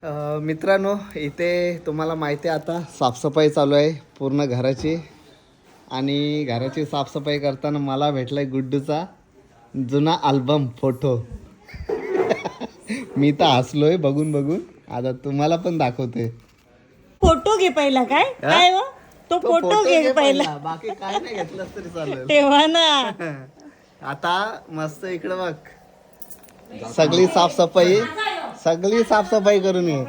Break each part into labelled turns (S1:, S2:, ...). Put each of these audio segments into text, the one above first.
S1: मित्रांनो, इथे तुम्हाला माहिती आहे आता साफसफाई चालू आहे पूर्ण घराची. आणि घराची साफसफाई करताना मला भेटलाय गुड्डूचा जुना अल्बम फोटो. मी तर हसलोय बघून बघून. आता तुम्हाला पण दाखवते.
S2: फोटो घे पहिला. काय हो तो फोटो घे पहिला.
S1: बाकी काय नाही घेतलं तरी चालेल.
S2: तेव्हा ना
S1: आता मस्त इकडे बघ, सगळी साफसफाई करून ये.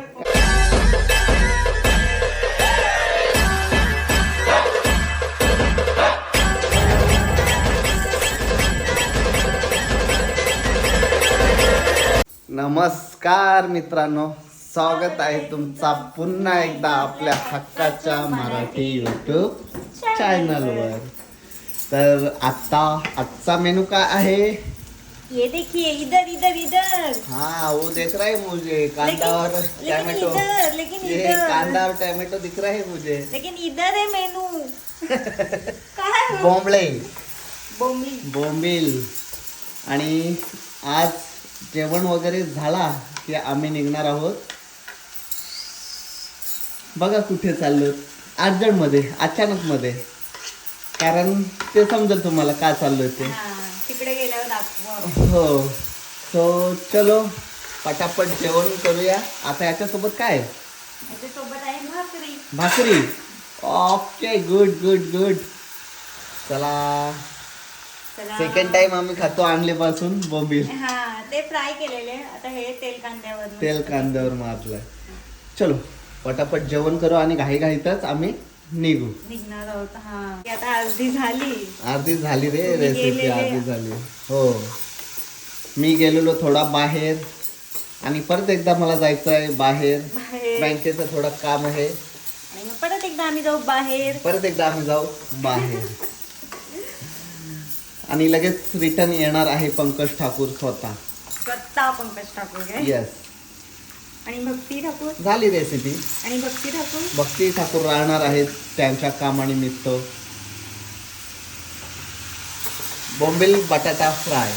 S1: नमस्कार मित्रांनो, स्वागत आहे तुमचा पुन्हा एकदा आपल्या हक्काच्या मराठी यूट्यूब चॅनलवर. तर आजचा मेनू काय आहे?
S2: ये देखिए, इधर इधर इधर.
S1: हाँ, वो देख रहा है मुझे, कांदा और टमाटो.
S2: लेकिन
S1: ये
S2: इधर
S1: कांदा और टमाटो दिख रहा है मुझे.
S2: लेकिन इधर है मेनू. काय हो?
S1: बोंबळे,
S2: बोंबली.
S1: बोंबील. आणि आज जेवण वगैरे झाला की आम्ही निघणार आहोत. बघा कुठे चाललो, अर्जंट मध्ये, अचानक मध्ये. कारण ते समजेल तुम्हाला काय चाललोय ते.
S2: तिकडे गेल्यावर दाखव.
S1: हो, सो चलो पटापट जेवण करूया. आता याच्यासोबत काय?
S2: त्याच्यासोबत आहे भाकरी.
S1: भाकरी. Okay, good good good. चला, सेकंड टाइम आम्ही खातो आणलीपासून बोंबील.
S2: हा, ते फ्राय केलेले. आता हे तेल
S1: कांद्यावर मारलंय. चलो पटापट जेवण करू आणि घाईतच आम्ही
S2: निघणार आहोत. हा, आता अर्धी झाली
S1: रे रेसिपी, अर्धी झाली. हो, मी गेलेलो थोडा बाहेर आणि परत एकदा मला जायचं आहे बाहेर. बँकेचं थोडं काम आहे
S2: आणि मग परत एकदा आम्ही जाऊ बाहेर.
S1: आणि लगेच रिटर्न येणार आहे पंकज ठाकूर स्वतः.
S2: पंकज ठाकूर.
S1: येस.
S2: आणि भक्ती ठाकूर
S1: झाली रेसिपी.
S2: आणि
S1: भक्ती ठाकूर राहणार आहेत त्यांच्या कामानिमित्त. बोंबील बटाटा फ्राय.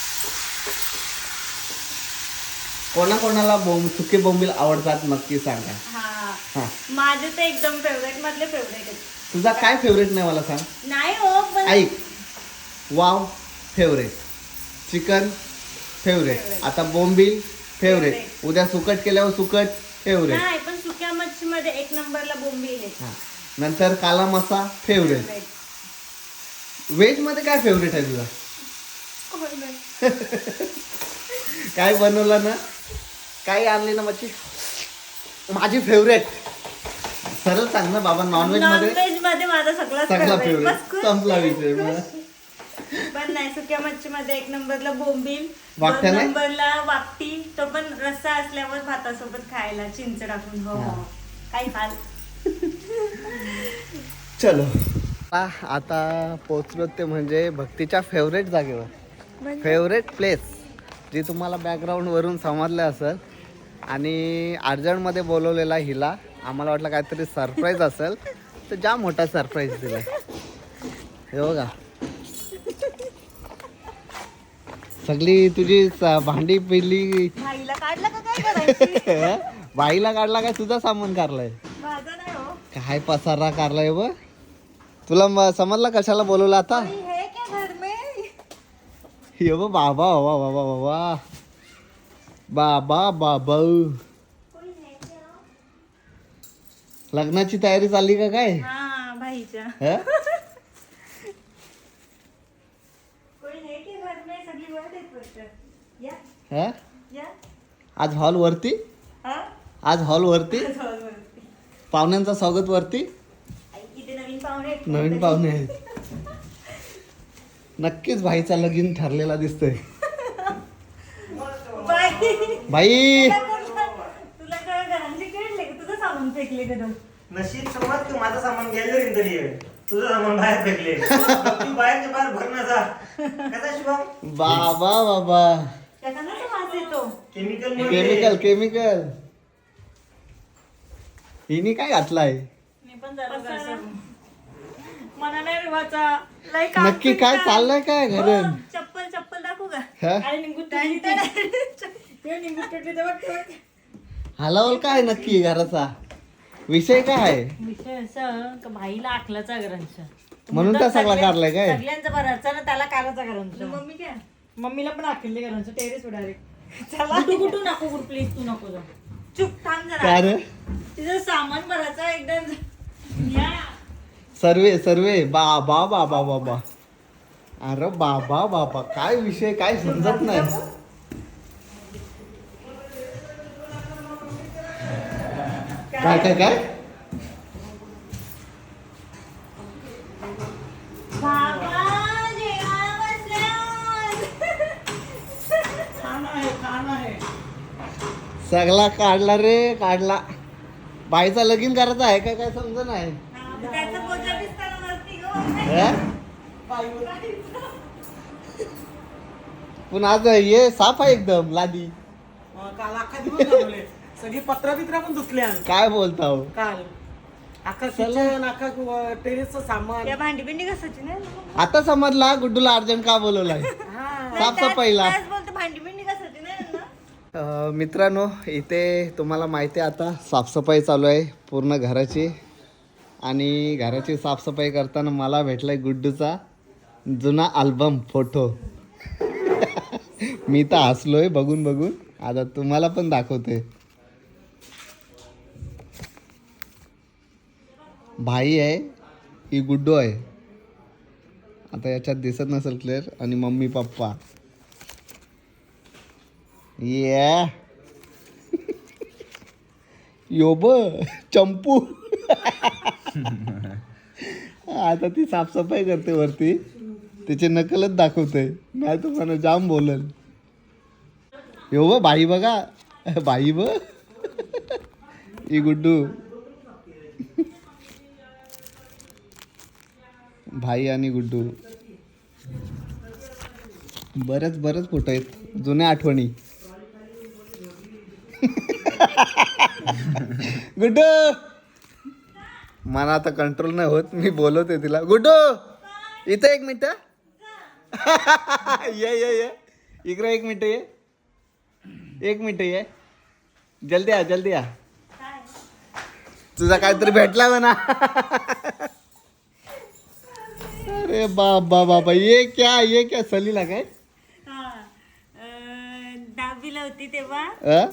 S1: कोणाकोणाला सुके बोंबील आवडतात नक्की सांगा.
S2: हा, माझे तर एकदम फेवरेट मधले फेवरेट.
S1: तुझा काय फेवरेट नाही मला सांग.
S2: नाही हो, पण
S1: ऐक, वाव फेवरेट, चिकन फेवरेट, आता बोंबील फेवरेट, उद्या सुकट केल्यावर सुकट फेवरेट.
S2: नाही, पण सुक्या मच्छी मध्ये एक नंबरला बोंबील आहे.
S1: नंतर काला मसा फेवरेट. व्हेज मध्ये काय फेवरेट आहे तुझा? काय बनवलं ना, काय आणली ना मच्छी माझी फेवरेट? सरळ सांग ना बाबा. नॉनव्हेज
S2: मध्ये माझा
S1: सगळा फेवरेट. संपला विषय.
S2: पण नाही, सुक्या मच्छी मध्ये एक नंबरला बोंबील,
S1: वाकट्या नाही?
S2: नंबरला वाकटी. तो पण रस्सा असल्यावर भातासोबत खायला चिंच टाकून. हो, काही खाल.
S1: चलो, आता पोचलो ते म्हणजे भक्तीच्या फेवरेट जागेवर, फेवरेट प्लेस, जी तुम्हाला बॅकग्राऊंड वरून समजलं असेल. आणि अर्जंटमध्ये बोलवलेला हिला. आम्हाला वाटलं काहीतरी सरप्राईज असेल, तर जाम मोठा सरप्राईज दिला. हे बघा, सगळी तुझी भांडी पिली.
S2: भाईला काढला का काय करायची?
S1: बाईला काढला काय? तुझा सामान काढलाय.
S2: माझा नाही हो.
S1: काय पसारा काढलाय बघ. तुला समजला कशाला बोलवलं आता?
S2: है क्या घर में?
S1: ये बघ, बाबा बाबा बाबा बाबा बाबा. लग्नाची तयारी चालली का काय?
S2: हा, भाईच्या.
S1: आज हॉल वरती, पाहुण्यांचा स्वागत वरती. नवीन पाहुणे आहेत. नक्कीच भाईचा लगीन ठरलेला दिसतोय. भाई,
S2: तुला काय घरांचे खेळले का? तुझं सामान फेकले का?
S3: नशीब समज तू माझं सामान घ्यायला तरी तुझं सामान बाहेर फेकले. बाहेरच्या बाहेर भरणं जा. कसा शुभम?
S1: बाबा बाबा, केमिकल. हिने काय घातलाय? नक्की काय चाललंय काय घरून?
S2: चप्पल दाखवू का?
S1: हलावल काय नक्की घराचा विषय काय आहे?
S2: विषय असं का भाईला आखलाचा ग्रंथ
S1: म्हणून त्या सगळा काढलाय काय?
S2: सगळ्यांचा बराचा ना त्याला काराचा ग्रंथ मम्मी काय मम्मीला पण आखले ग्रंथ टेरेस डायरेक्ट चला कुठू नको कुठ प्लीज तू नको जा चुप थांब जरा
S1: काय रे?
S2: तिचं सामान भरायचं एकदम या
S1: सर्वे बाबा बाबा बाबा अरे बाबा बाबा काय विषय काय समजत नाही. काय काय काय
S2: बाबा जेवायला बसल्यावर.
S1: सगळा काढला रे काढला. बाईचा लगीन करायचा आहे काय समज नाही.
S2: त्याचं बोजा दिसताना वरती गं.
S1: हे? पण आज हे साफ आहे एकदम लादी.
S4: काल अख्खा दिवस घालवले. सगळी पत्रा बित्रा पण धुतल्या
S1: काय बोलता हो?
S4: काल अख्खा किचन अख्खा टेरेसचं सामान.
S2: या भांडी बिंडी कसाची नाही
S1: आता समजला गुड्डूला अर्जंट का बोलवलाय साफसफाईला.
S2: त्याच बोलते भांडी बिंडी कसाची नाही ना.
S1: मित्रांनो इथे तुम्हाला माहिती आहे आता साफसफाई चालू आहे पूर्ण घराची. आणि घराची साफसफाई करताना मला भेटलाय गुड्डूचा जुना अल्बम फोटो. मी तर हसलोय बघून बघून. आता तुम्हाला पण दाखवते. भाई आहे ही गुड्डू आहे. आता याच्यात दिसत नसेल क्लिअर. आणि मम्मी पप्पा ये योब चंपू. आता ती साफसफाई करते वरती. तिचे नकलच दाखवते नाही तर मला जाम बोलल. यो बाई बघा बाई ब ही गुड्डू. भाई आणि गुड्डू बरेच फोटो आहेत जुन्या आठवणी. गुड्डू मला आता कंट्रोल नाही होत. मी बोलवते तिला. गुड्डू इथं 1 मिनिट. ये इकडे 1 मिनिट ये. 1 मिनिट ये. जल्दी या. तुझा काहीतरी भेटला म्हणा. अरे बाबा ये क्या सलीला काय?
S2: दहावीला होती तेव्हा.
S1: अ?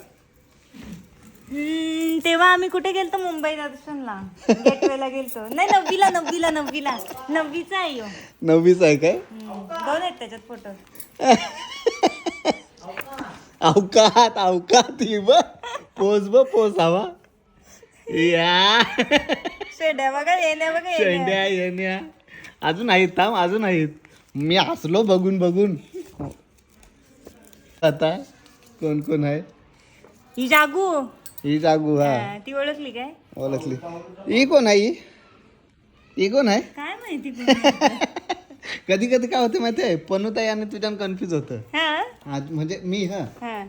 S2: तेव्हा आम्ही कुठे गेलतो मुंबई दर्शनला गेटवेला गेलतो. नाही नववीला नववीचा आहे ह्यो.
S1: 9वीच आहे काय?
S2: 2 आहेत त्याच्यात फोटो.
S1: अवकात ही पोज हवा या.
S2: शेंड्या बघा
S1: येण्या अजून आहेत. मी हसलो बघून. आता कोण आहे?
S2: ही जागू
S1: हा
S2: ती ओळखली काय?
S1: ओळखली. ही कोण आहे?
S2: काय माहिती
S1: कधी काय होते माहितीये पनुताई आणि तुझ्यानं कन्फ्युज होतं.
S2: हा
S1: म्हणजे मी
S2: हा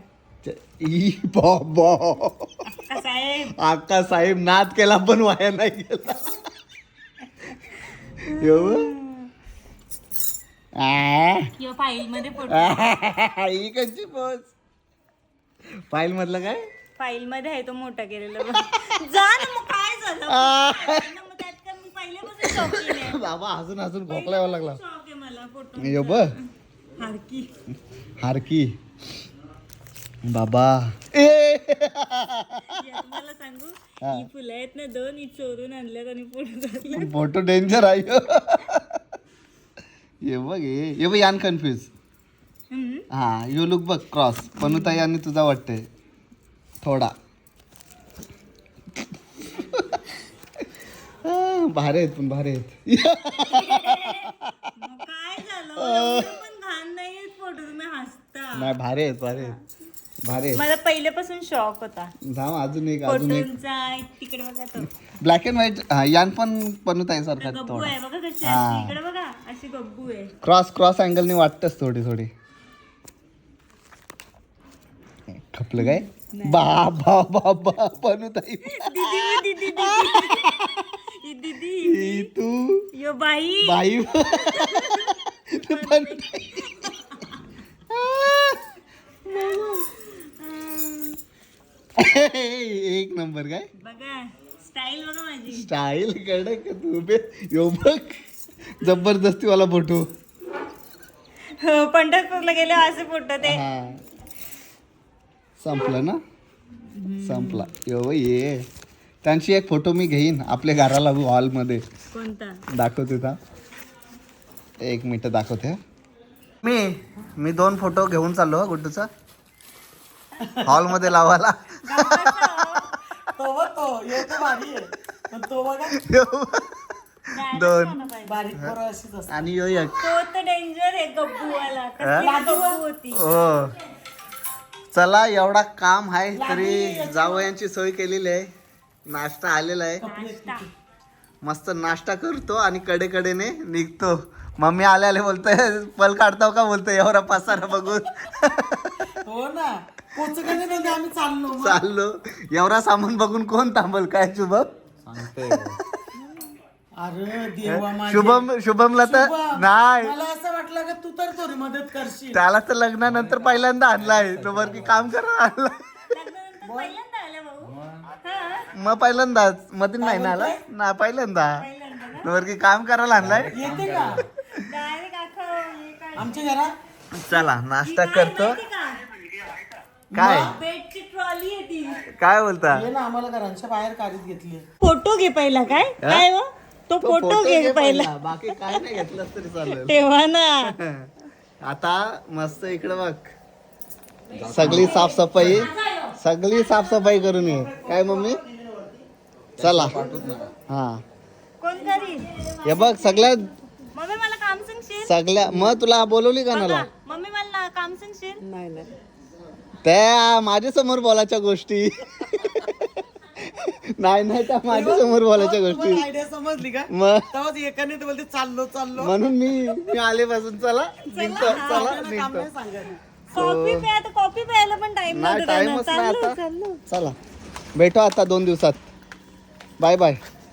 S1: बाबा
S2: साहेब
S1: आका साहेब नाद केला पण वाया नाही गेला.
S2: फाईल मध्ये फोटो.
S1: ही कशी पोच फाईल मधलं काय?
S2: फाईल मध्ये आहे तो मोठा केलेला बघ. जा ना मग काय झालं मग त्यात काय मी पहिल्यापासून शौकीन आहे.
S1: बाबा हसून खोकला यावं लागला.
S2: शौक आहे मला फोटो.
S1: यो ब हारकी बाबा.
S2: तुम्हाला सांगू ही फुलं आहेत ना 2 ही चोरून आणल्यात आणि फोटो काढले.
S1: फोटो डेंजर आहे. ये बघ यान कन्फ्युज. हा यू लुक बघ क्रॉस. पनुताई आणि तुझा वाटतंय थोडा. भारी आहेत.
S2: मग काय झालं एवढं पण घाण नाही फोटो. तुम्ही हसता.
S1: नाही भारी आहेत.
S2: मला पहिल्यापासून शॉक होता
S1: जाम अजून एक
S2: फोटोंचा. तिकडे बघा तो
S1: ब्लॅक अँड व्हाईट. यान पण पनुताई सारखा
S2: गब्बू आहे बघा कशी
S1: हा.
S2: असते. इकडे बघा अशी गब्बू आहे.
S1: क्रॉस अँगलने वाटतच थोडी. खपलं काय? बाबा पनुताई
S2: दीदी
S1: तू
S2: यो बाई
S1: पनुताई. एक नंबर काय
S2: बघा स्टाईल बघा माझी.
S1: स्टाईल कडक तू बे यो बघ जबरदस्ती वाला फोटो.
S2: पंढरपूरला गेले असे फोटो ते.
S1: हा संपलं ना संपला यो ये त्यांची एक फोटो मी घेईन आपल्या घराला हॉलमध्ये
S2: कोणता
S1: दाखवते का एक मिनिट दाखवते. मी 2 फोटो घेऊन चाललो गुड्डूचा हॉलमध्ये लावायला.
S4: तो बघ तो हे तो भारी आहे पण तो बघा
S1: 2
S4: बारीक पोरं अशीच असतात.
S1: आणि यो एक
S2: तो तर डेंजर आहे गब्बूवाला. कसली गब्बू होती.
S1: हो चला एवढा काम आहे तरी जावयांची सोय केलेली आहे. नाश्ता आलेला आहे
S2: नाश्ता.
S1: मस्त नाश्ता करतो आणि कडेकडेने निघतो. मम्मी आले बोलतोय पल काढताव का बोलतोय एवढा पसारा बघून.
S4: हो ना पोचकने नव्हते आम्ही चाललो मग.
S1: चाललो एवढा सामान बघून कोण थांबल काय शुभम.
S4: अरे देवा माझे.
S1: शुभमला तर
S4: शुभम,
S1: नाही
S4: मला असं वाटलं की तू तर थोडी मदत करशील.
S1: त्याला तर लग्नानंतर पहिल्यांदा आणलाय तो बरं की काम करायला आणला.
S2: लग्नानंतर पहिल्यांदा आला भाऊ. हा.
S1: मग पहिल्यांदाच मध्ये नाही ना आला ना पहिल्यांदा
S2: पहिल्यांदा ना.
S1: तो बरं की काम करायला आणलाय.
S4: येते का
S2: डायरेक्ट हे काय
S4: आमच्या घरात.
S1: चला नाश्ता करतो.
S2: माहिती का?
S1: काय
S2: बेडची ट्रॉली आहे ती.
S1: काय बोलता
S4: ये ना आम्हाला घरांच्या बाहेर काढीत घेतली.
S2: फोटो घे पहिला काय काय हो तो फोटो घे पहिला.
S1: बाकी काय नाही घेतलं तरी चालेल.
S2: तेव्हा ना
S1: आता मस्त इकडे बघ सगळी साफसफाई करून ये काय मम्मी. चला हा
S2: कोण करी.
S1: हे बघ सगळ्या
S2: मम्मी मला काम सांगशील.
S1: मग तुला बोलवली का नाला
S2: मम्मी मला काम सांगशील.
S4: नाही नाही
S1: त्या माझ्या समोर बोलायच्या गोष्टी नाही त्या माझ्या समोर बोलायच्या गोष्टी
S4: आयडिया समजली का
S1: मग
S4: तेव्हाच एकाने तर बोलते चाललो चाललो.
S1: म्हणून मी आलेपासून चला निघतो चला
S4: आपल्याला काम
S1: निघतो.
S4: नाही सांगायला.
S2: कॉफी प्या तर कॉफी प्यायला पण टाइम
S1: नाही
S2: नव्हता त्यांना.
S1: टाइमच नाही
S2: चाललो
S1: आता
S2: चाललो.
S1: चला भेटू आता 2 दिवसात. Bye bye.